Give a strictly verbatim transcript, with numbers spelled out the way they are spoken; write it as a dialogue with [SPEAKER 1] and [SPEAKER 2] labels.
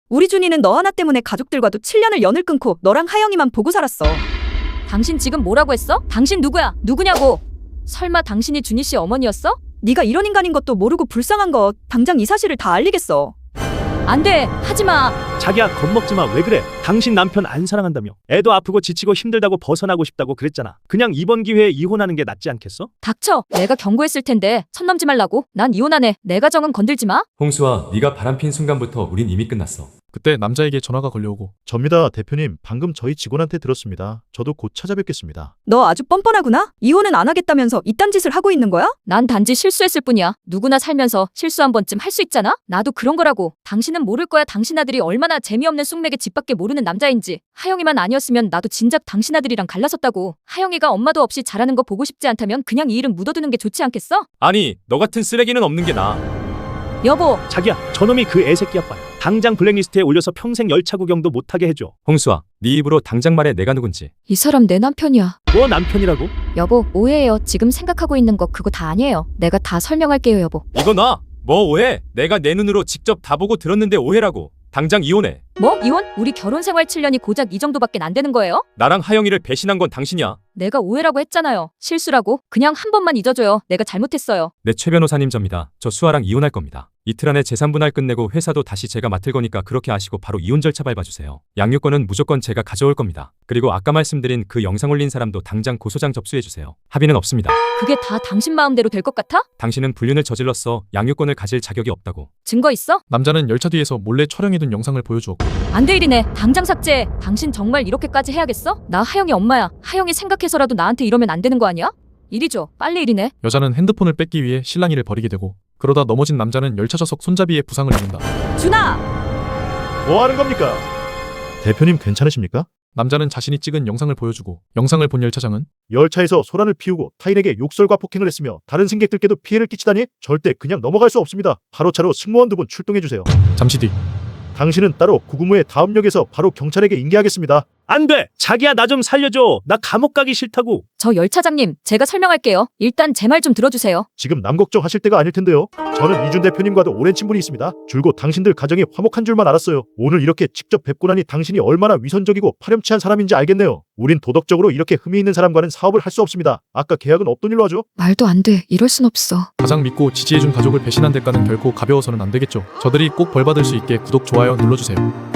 [SPEAKER 1] 우리 준이는 너 하나 때문에 가족들과도 칠 년을 연을 끊고 너랑 하영이만 보고 살았어.
[SPEAKER 2] 당신 지금 뭐라고 했어? 당신 누구야? 누구냐고? 설마 당신이 준희 씨 어머니였어?
[SPEAKER 1] 네가 이런 인간인 것도 모르고 불쌍한 거 당장 이 사실을 다 알리겠어.
[SPEAKER 2] 안 돼. 하지 마.
[SPEAKER 3] 자기야, 겁먹지 마. 왜 그래? 당신 남편 안 사랑한다며. 애도 아프고 지치고 힘들다고 벗어나고 싶다고 그랬잖아. 그냥 이번 기회에 이혼하는 게 낫지 않겠어?
[SPEAKER 2] 닥쳐. 내가 경고했을 텐데 선 넘지 말라고. 난 이혼하네. 내 가정은 건들지 마.
[SPEAKER 4] 홍수아, 네가 바람핀 순간부터 우린 이미 끝났어.
[SPEAKER 5] 그때 남자에게 전화가 걸려오고
[SPEAKER 6] 접니다, 대표님. 방금 저희 직원한테 들었습니다. 저도 곧 찾아뵙겠습니다.
[SPEAKER 1] 너 아주 뻔뻔하구나. 이혼은 안 하겠다면서 이딴 짓을 하고 있는 거야?
[SPEAKER 2] 난 단지 실수했을 뿐이야. 누구나 살면서 실수 한 번쯤 할 수 있잖아? 나도 그런 거라고. 당신은 모를 거야. 당신 아들이 얼마나 재미없는 쑥맥에 집밖에 모르는 남자인지. 하영이만 아니었으면 나도 진작 당신 아들이랑 갈라섰다고. 하영이가 엄마도 없이 자라는 거 보고 싶지 않다면 그냥 이 일은 묻어두는 게 좋지 않겠어?
[SPEAKER 4] 아니, 너 같은 쓰레기는 없는 게 나아.
[SPEAKER 2] 여보.
[SPEAKER 3] 자기야, 저놈이 그 애새끼 아빠야. 당장 블랙리스트에 올려서 평생 열차 구경도 못하게 해줘.
[SPEAKER 4] 홍수아, 네 입으로 당장 말해. 내가 누군지.
[SPEAKER 2] 이 사람 내 남편이야.
[SPEAKER 3] 뭐 남편이라고?
[SPEAKER 2] 여보, 오해해요. 지금 생각하고 있는 거 그거 다 아니에요. 내가 다 설명할게요, 여보.
[SPEAKER 4] 이거 놔. 뭐 오해? 내가 내 눈으로 직접 다 보고 들었는데 오해라고. 당장 이혼해.
[SPEAKER 2] 뭐? 이혼? 우리 결혼 생활 칠 년이 고작 이 정도밖에 안 되는 거예요?
[SPEAKER 4] 나랑 하영이를 배신한 건 당신이야.
[SPEAKER 2] 내가 오해라고 했잖아요. 실수라고. 그냥 한 번만 잊어줘요. 내가 잘못했어요.
[SPEAKER 4] 네, 최 변호사님 접니다. 저 수아랑 이혼할 겁니다. 이틀 안에 재산 분할 끝내고 회사도 다시 제가 맡을 거니까 그렇게 아시고 바로 이혼 절차 밟아주세요. 양육권은 무조건 제가 가져올 겁니다. 그리고 아까 말씀드린 그 영상 올린 사람도 당장 고소장 접수해주세요. 합의는 없습니다.
[SPEAKER 2] 그게 다 당신 마음대로 될 것 같아?
[SPEAKER 4] 당신은 불륜을 저질렀어. 양육권을 가질 자격이 없다고.
[SPEAKER 2] 증거 있어?
[SPEAKER 5] 남자는 열차 뒤에서 몰래 촬영해둔 영상을 보여주었고
[SPEAKER 2] 안 돼 일이네. 당장 삭제해. 당신 정말 이렇게까지 해야겠어? 나 하영이 엄마야. 하영이 생각해서라도 나한테 이러면 안 되는 거 아니야? 이리 줘. 빨리 일이네.
[SPEAKER 5] 여자는 핸드폰을 뺏기 위해 실랑이를 벌이게 되고 그러다 넘어진 남자는 열차 좌석 손잡이에 부상을 입는다.
[SPEAKER 1] 준아!
[SPEAKER 6] 뭐 하는 겁니까? 대표님 괜찮으십니까?
[SPEAKER 5] 남자는 자신이 찍은 영상을 보여주고 영상을 본 열차장은
[SPEAKER 6] 열차에서 소란을 피우고 타인에게 욕설과 폭행을 했으며 다른 승객들께도 피해를 끼치다니 절대 그냥 넘어갈 수 없습니다. 바로 차로 승무원 두 분 출동해주세요.
[SPEAKER 5] 잠시 뒤
[SPEAKER 6] 당신은 따로 구금후에 다음 역에서 바로 경찰에게 인계하겠습니다.
[SPEAKER 3] 안 돼! 자기야, 나 좀 살려줘. 나 감옥 가기 싫다고.
[SPEAKER 2] 저 열차장님, 제가 설명할게요. 일단 제 말 좀 들어주세요.
[SPEAKER 6] 지금 남 걱정하실 때가 아닐 텐데요. 저는 이준 대표님과도 오랜 친분이 있습니다. 줄곧 당신들 가정이 화목한 줄만 알았어요. 오늘 이렇게 직접 뵙고 나니 당신이 얼마나 위선적이고 파렴치한 사람인지 알겠네요. 우린 도덕적으로 이렇게 흠이 있는 사람과는 사업을 할 수 없습니다. 아까 계약은 없던 일로 하죠?
[SPEAKER 2] 말도 안 돼. 이럴 순 없어.
[SPEAKER 5] 가장 믿고 지지해준 가족을 배신한 대가는 결코 가벼워서는 안 되겠죠. 저들이 꼭 벌받을 수 있게 구독, 좋아요 눌러주세요.